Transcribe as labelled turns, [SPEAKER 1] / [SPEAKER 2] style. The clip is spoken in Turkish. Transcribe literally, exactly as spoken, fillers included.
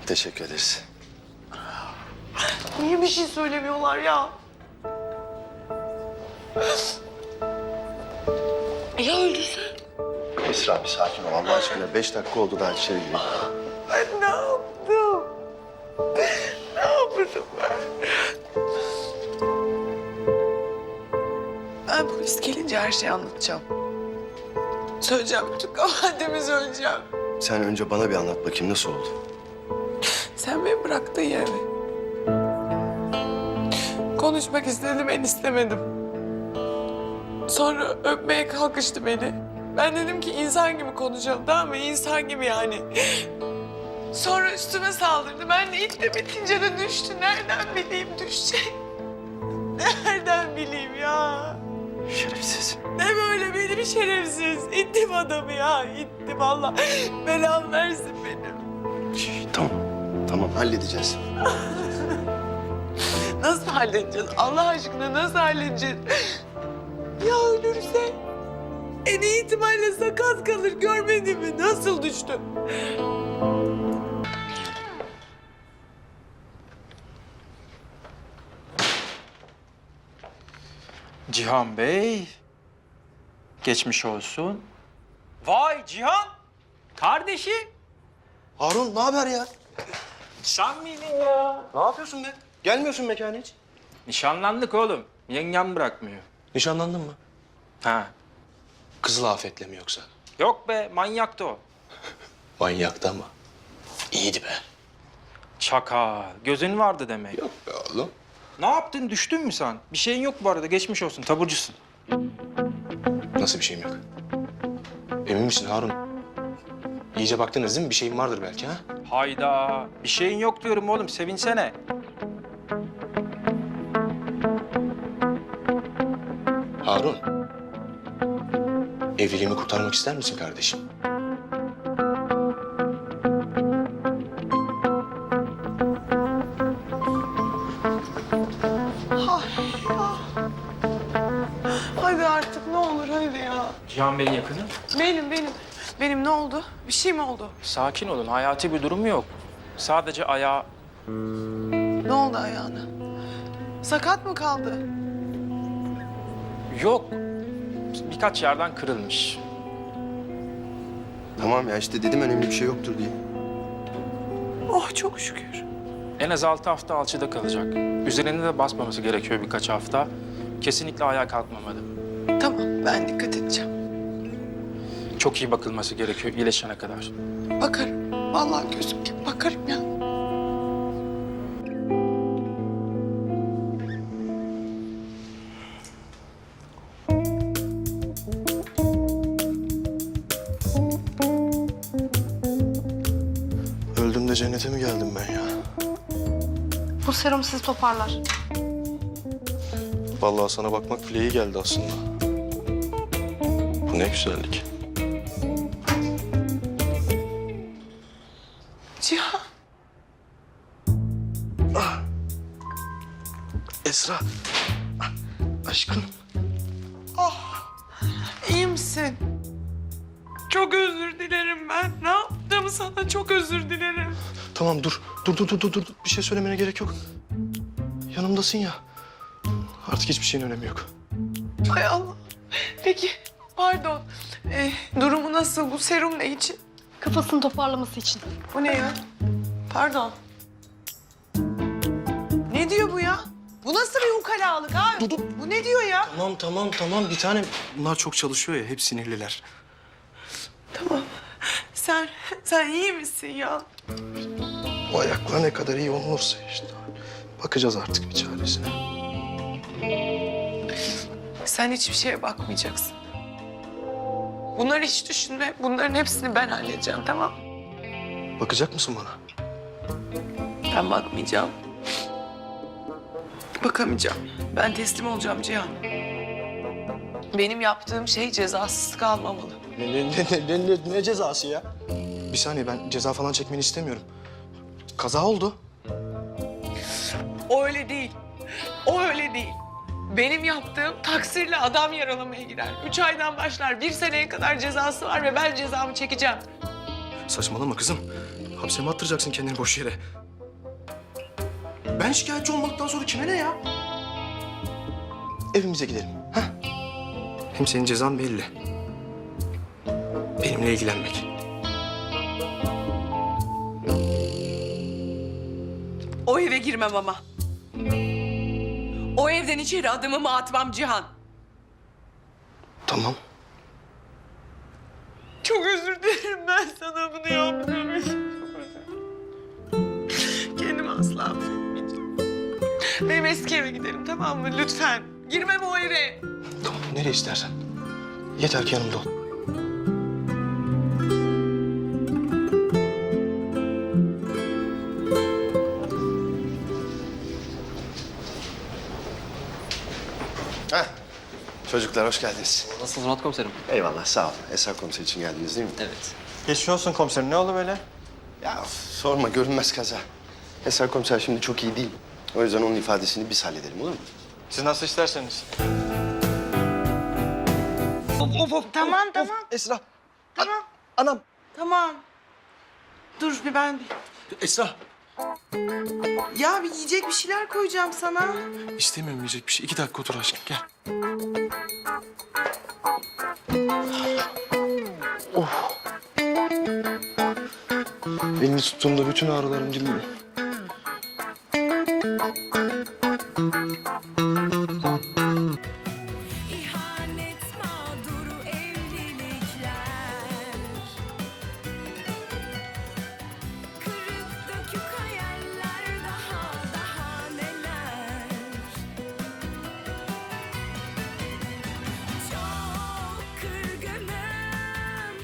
[SPEAKER 1] Teşekkür ederiz.
[SPEAKER 2] Niye bir şey söylemiyorlar ya? Ya öldürse?
[SPEAKER 1] Esra bir sakin ol Allah aşkına. Beş dakika oldu daha içeri gireyim.
[SPEAKER 2] Ben ne yaptım? Ne yaptım ben? Ben polis gelince her şeyi anlatacağım. Söyleyeceğim, bütün kabahatimi söyleyeceğim.
[SPEAKER 1] Sen önce bana bir anlat bakayım nasıl oldu?
[SPEAKER 2] Sen beni bıraktın yani. Konuşmak istedim, ben istemedim. Sonra öpmeye kalkıştı beni. Ben dedim ki insan gibi konuşalım, tamam mı? İnsan gibi yani. Sonra üstüme saldırdı. Ben de ittim, itince de düştü. Nereden bileyim düşecek? Nereden bileyim ya?
[SPEAKER 1] Şerefsiz.
[SPEAKER 2] Ne böyle benim şerefsiz. İttim adamı ya, ittim Allah. Belam versin benim.
[SPEAKER 1] Şş, tamam. Tamam halledeceğiz.
[SPEAKER 2] Nasıl halledeceğiz? Allah aşkına nasıl halledeceğiz? Ya ölürse? En iyi ihtimalle sakat kalır. Görmedin mi? Nasıl düştü?
[SPEAKER 3] Cihan Bey, geçmiş olsun. Vay Cihan, kardeşim.
[SPEAKER 1] Harun ne haber ya?
[SPEAKER 3] Sen miydin ya?
[SPEAKER 1] Ne yapıyorsun be? Gelmiyorsun mekana hiç.
[SPEAKER 3] Nişanlandık oğlum, yengem bırakmıyor.
[SPEAKER 1] Nişanlandın mı?
[SPEAKER 3] Ha,
[SPEAKER 1] Kızıl afetle mi yoksa?
[SPEAKER 3] yok be, manyaktı o.
[SPEAKER 1] Manyaktı ama. İyiydi be.
[SPEAKER 3] Çakal, gözün vardı demek.
[SPEAKER 1] Yok be oğlum.
[SPEAKER 3] Ne yaptın, düştün mü sen? Bir şeyin yok bu arada, geçmiş olsun, taburcusun.
[SPEAKER 4] Nasıl bir şeyim yok? Emin misin Harun? İyice baktınız değil mi? Bir şeyim vardır belki ha?
[SPEAKER 3] Hayda, bir şeyin yok diyorum oğlum, sevinsene.
[SPEAKER 4] Harun. Evliliğimi kurtarmak ister misin kardeşim?
[SPEAKER 2] Hadi artık ne olur hadi ya.
[SPEAKER 3] Cihan Bey'in yakını.
[SPEAKER 2] Benim benim. Benim ne oldu? Bir şey mi oldu?
[SPEAKER 3] Sakin olun, hayati bir durum yok. Sadece ayağı...
[SPEAKER 2] Ne oldu ayağına? Sakat mı kaldı?
[SPEAKER 3] Yok, birkaç yerden kırılmış.
[SPEAKER 1] Tamam ya işte dedim önemli bir şey yoktur diye.
[SPEAKER 2] Oh çok şükür.
[SPEAKER 3] En az altı hafta alçıda kalacak. Üzerine de basmaması gerekiyor birkaç hafta. Kesinlikle ayağa kalkmamalı.
[SPEAKER 2] Tamam ben dikkat edeceğim.
[SPEAKER 3] Çok iyi bakılması gerekiyor iyileşene kadar.
[SPEAKER 2] Bakarım. Vallahi gözüm gibi bakarım ya.
[SPEAKER 4] Öldüm de cennete mi geldim ben ya?
[SPEAKER 5] Bu serum sizi toparlar.
[SPEAKER 4] Vallahi sana bakmak bile iyi geldi aslında. Bu ne güzellik.
[SPEAKER 2] Cihan.
[SPEAKER 4] Esra. Aşkım.
[SPEAKER 2] İyi misin? Çok özür dilerim ben. Ne yaptım sana? Çok özür dilerim.
[SPEAKER 4] Tamam dur. Dur dur dur dur. dur. Bir şey söylemene gerek yok. Yanımdasın ya. Artık hiçbir şeyin önemi yok.
[SPEAKER 2] Hay Allah. Peki, pardon. Ee, durumu nasıl? Bu serum ne için?
[SPEAKER 5] Kafasını toparlaması için.
[SPEAKER 2] Bu ne ya? Pardon. Ne diyor bu ya? Bu nasıl bir ukalalık abi?
[SPEAKER 4] Dur, dur.
[SPEAKER 2] Bu ne diyor ya?
[SPEAKER 4] Tamam tamam tamam. Bir tane bunlar çok çalışıyor ya. Hep sinirliler.
[SPEAKER 2] Tamam. Sen, sen iyi misin ya?
[SPEAKER 4] O ayaklar ne kadar iyi olursa işte. Bakacağız artık bir çaresine.
[SPEAKER 2] Sen hiçbir şeye bakmayacaksın. Bunları hiç düşünme. Bunların hepsini ben halledeceğim, tamam?
[SPEAKER 4] Bakacak mısın bana?
[SPEAKER 2] Ben bakmayacağım. Bakamayacağım. Ben teslim olacağım Cihan. Benim yaptığım şey cezasız kalmamalı.
[SPEAKER 4] Ne, ne, ne, ne, ne, ne cezası ya? Bir saniye ben ceza falan çekmeni istemiyorum. Kaza oldu.
[SPEAKER 2] O öyle değil. O öyle değil. Benim yaptığım taksirle adam yaralamaya gider. Üç aydan başlar. Bir seneye kadar cezası var ve ben cezamı çekeceğim.
[SPEAKER 4] Saçmalama kızım. Hapse mi attıracaksın kendini boş yere? Ben şikayetçi olmadıktan sonra kime ne ya? Evimize gidelim. Ha? Hem senin cezan belli. Benimle ilgilenmek.
[SPEAKER 2] O eve girmem ama. O evden içeri adımımı atmam Cihan.
[SPEAKER 4] Tamam.
[SPEAKER 2] Çok özür dilerim, ben sana bunu yaptığım için. Kendimi asla affetmeyeceğim. Benim eski eve gidelim, tamam mı? Lütfen. Girmem o eve.
[SPEAKER 4] Tamam, nereye istersen. Yeter ki yanımda ol.
[SPEAKER 1] Heh. Çocuklar hoş geldiniz.
[SPEAKER 6] Nasılsınız Murat komiserim?
[SPEAKER 1] Eyvallah sağ olun. Esra komiser için geldiniz değil mi?
[SPEAKER 6] Evet.
[SPEAKER 7] Geçmiş olsun komiserim. Ne oldu böyle?
[SPEAKER 1] Ya sorma görünmez kaza. Esra komiser şimdi çok iyi değil. O yüzden onun ifadesini biz halledelim olur mu?
[SPEAKER 7] Siz nasıl isterseniz.
[SPEAKER 2] Tamam, tamam,
[SPEAKER 1] Esra.
[SPEAKER 2] tamam,
[SPEAKER 1] Anam.
[SPEAKER 2] tamam. Dur bir ben...
[SPEAKER 4] Esra.
[SPEAKER 2] Ya bir yiyecek bir şeyler koyacağım sana.
[SPEAKER 4] İstemiyorum yiyecek bir şey. İki dakika otur aşkım, gel. Oh. Elini tuttuğumda bütün ağrılarım gidiyor.